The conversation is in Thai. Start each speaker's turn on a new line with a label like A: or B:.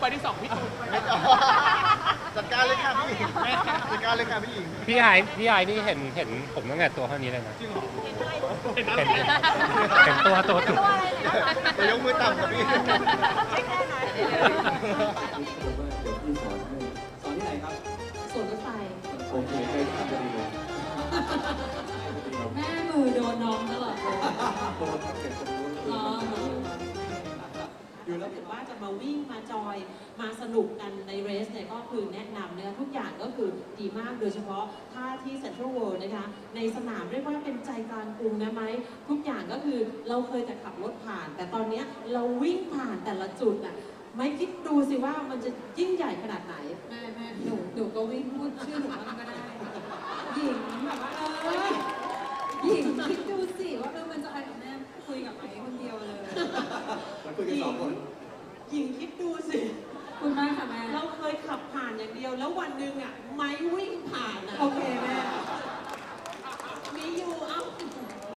A: ไปที่2พี่ตูน
B: จัดการเลยค่ะพี่หญิงจัดการเลยค่ะพี่หญิง
C: พี่ไอนี่เห็นผมตั้งแต่ตัวเท่านี้เลยนะ
A: จริงเหรอเห็น
C: เห็นตัวจุด
B: จะยกมือต่ำกับพี่
D: ไม่แค่นั้น
E: เดี๋ยวพี่สอนให้สอนที่ไหนครับ
D: สวนรถไฟ
E: โอเคใกล้ที่จะดีเลย
D: แม่มือโดนน้องตลอดเลย
E: โดนทับเก็บตรงนู้น
D: อ๋อ
E: อยู่แล้ว
D: ถ้าเกิดว่าจะมาวิ่งมาจอยมาสนุกกันในเรสเนี่ยก็คือแนะนำเนี่ยทุกอย่างก็คือดีมากโดยเฉพาะท่าที่เซ็นทรัลเวิลด์นะคะในสนามเรียกว่าเป็นใจกลางกรุงนะไหมทุกอย่างก็คือเราเคยแต่ขับรถผ่าน แต่ตอนเนี้ยเราวิ่งผ่านแต่ละจุดอ่ะไม่คิดดูสิว่ามันจะยิ่งใหญ่ขนาดไหนแม่หนูก็วิ่งพูดชื่อหนูว่าก็ได้หญิงแบบว่าหญิงคิดดูสิว่ามันจะอะไรกับแม่คุยกับไอ้คนเดียวเลย
E: มันคุยกันสองคน
D: หญิงคิดดูสิ
F: คุณมากค่ะแม่
D: เราเคยขับผ่านอย่างเดียว แล้ววันหนึ่งอ่ะไม้